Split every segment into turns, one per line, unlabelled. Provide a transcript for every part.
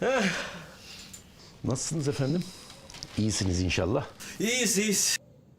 Nasılsınız efendim? İyisiniz inşallah.
İyiyiz.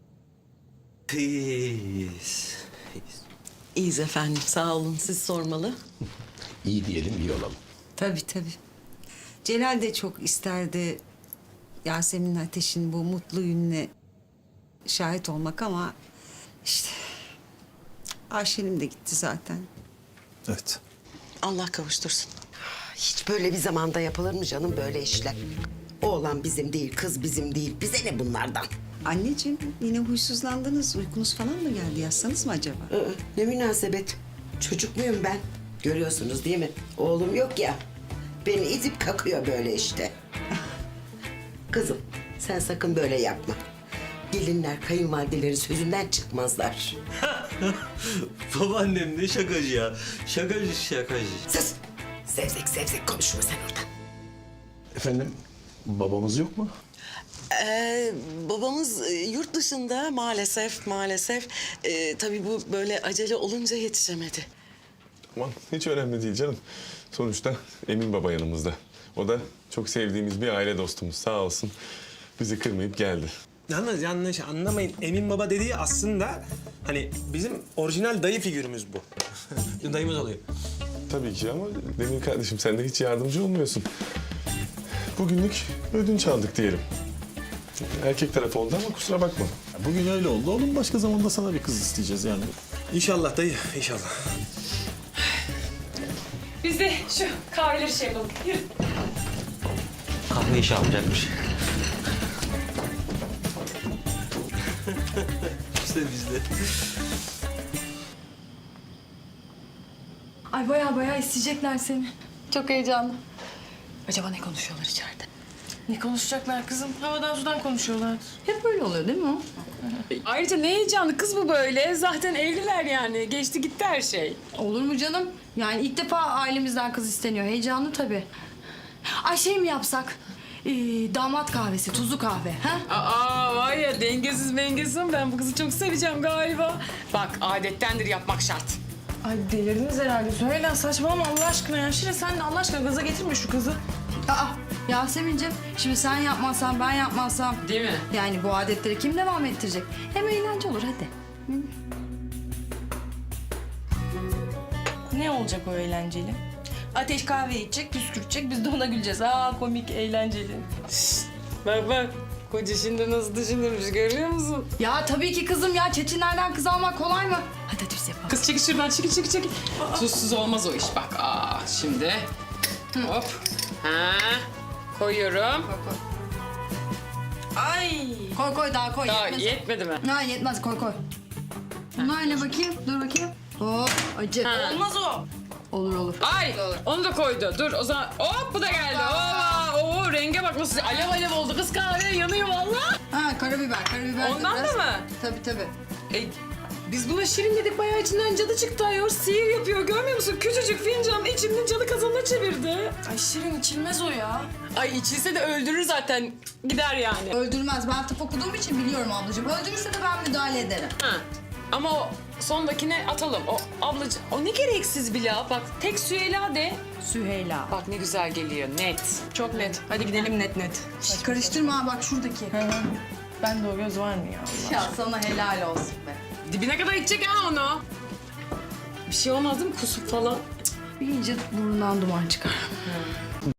İyiyiz efendim, sağ olun. Siz sormalı.
İyi diyelim, iyi olalım.
Tabii. Celal de çok isterdi Yasemin Ateş'in bu mutlu gününe şahit olmak ama işte Ayşe'nin de gitti zaten.
Evet.
Allah kavuştursun.
Hiç böyle bir zamanda yapılır mı canım böyle işler? Oğlan bizim değil, kız bizim değil. Bize ne bunlardan?
Anneciğim yine huysuzlandınız. Uykunuz falan mı geldi? Yatsanız mı acaba?
Ne münasebet. Çocuk muyum ben? Görüyorsunuz değil mi? Oğlum yok ya. Beni itip kakıyor böyle işte. Kızım sen sakın böyle yapma. Gelinler kayınvalidelerin sözünden çıkmazlar.
Babaannem ne şakacı ya. Şakacı.
Sus! Zevzek konuşma sen oradan.
Efendim, babamız yok mu?
Babamız yurt dışında maalesef. Tabii bu böyle acele olunca yetişemedi.
Aman hiç önemli değil canım. Sonuçta Emin Baba yanımızda. O da çok sevdiğimiz bir aile dostumuz. Sağ olsun bizi kırmayıp geldi.
Yalnız yanlış anlamayın. Emin Baba dediği aslında hani bizim orijinal dayı figürümüz bu. Dayımız oluyor.
Tabii ki ama Demir kardeşim sen de hiç yardımcı olmuyorsun. Bugünlük ödünç aldık diyelim. Erkek tarafı oldu ama kusura bakma.
Bugün öyle oldu. Oğlum başka zamanda sana bir kız isteyeceğiz yani.
İnşallah dayı, inşallah.
Biz de şu kahveleri şey yapalım. Yürü.
Kahve işi yapacakmış. İşte bizde.
Ay baya isteyecekler seni. Çok heyecanlı. Acaba ne konuşuyorlar içeride?
Ne konuşacaklar kızım? Havadan sudan konuşuyorlar.
Hep böyle oluyor değil mi o? Ayrıca ne heyecanlı kız bu böyle. Zaten evliler yani. Geçti gitti her şey.
Olur mu canım? Yani ilk defa ailemizden kız isteniyor. Heyecanlı tabii. Ay şey mi yapsak? Damat kahvesi, tuzlu kahve. Ha?
Aa var ya dengesiz mengesiz ama ben bu kızı çok seveceğim galiba. Bak adettendir yapmak şart.
Ay delirdiniz herhalde. Söyle saçmalama Allah aşkına ya. Şire sen de Allah aşkına gaza getirme şu kızı. Aa Yasemin'ciğim şimdi sen yapmazsan ben yapmazsam.
Değil mi?
Yani bu adetleri kim devam ettirecek? Hem eğlence olur hadi. Ne olacak o eğlenceli? Ateş kahve içecek, püskürtecek, biz de ona güleceğiz. Aa komik, eğlenceli.
Bak. Koca şimdi nasıl düşünürmüş görüyor musun?
Ya tabii ki kızım ya. Çetinlerden kız almak kolay mı? Hadi biz yapalım.
Kız çekil şuradan çekil. Tuzsuz olmaz o iş bak. Şimdi hop. Ha. Koyuyorum.
Ay. Koy daha koy.
Daha
yetmez.
yetmedi mi?
Ha yetmez koy. Bunlar ne bakayım? Dur bakayım. Hop acı.
Ha.
Olmaz o. Olur.
Ay onu da koydu. Dur o zaman hop bu da geldi. Oo renge bak nasıl alev oldu. Kız kahve yanıyor vallahi.
Ha karabiber
Ondan
biraz.
da mı?
Tabii.
Biz buna şirin dedik bayağı içinden cadı çıktı ayol. Sihir yapıyor görmüyor musun? Küçücük fincan içinden cadı kazanına çevirdi.
Ay şirin içilmez o ya.
Ay içilse de öldürür zaten. Gider yani.
Öldürmez. Ben tıp okuduğum için biliyorum ablacığım. Öldürürse de ben müdahale ederim.
Ha. Ama o sondakine atalım. O ablacığım o ne gereksiz bir laf. Bak tek Süheyla de.
Süheyla.
Bak ne güzel geliyor net.
Çok net. Hadi gidelim net. Karıştırma ha bak şuradaki. Ben de o göz var mı ya? Ya sana helal olsun be.
Dibine kadar içecek ha onu. Bir şey olmaz değil mi kusuk falan?
Bir iyice burnundan duman çıkar.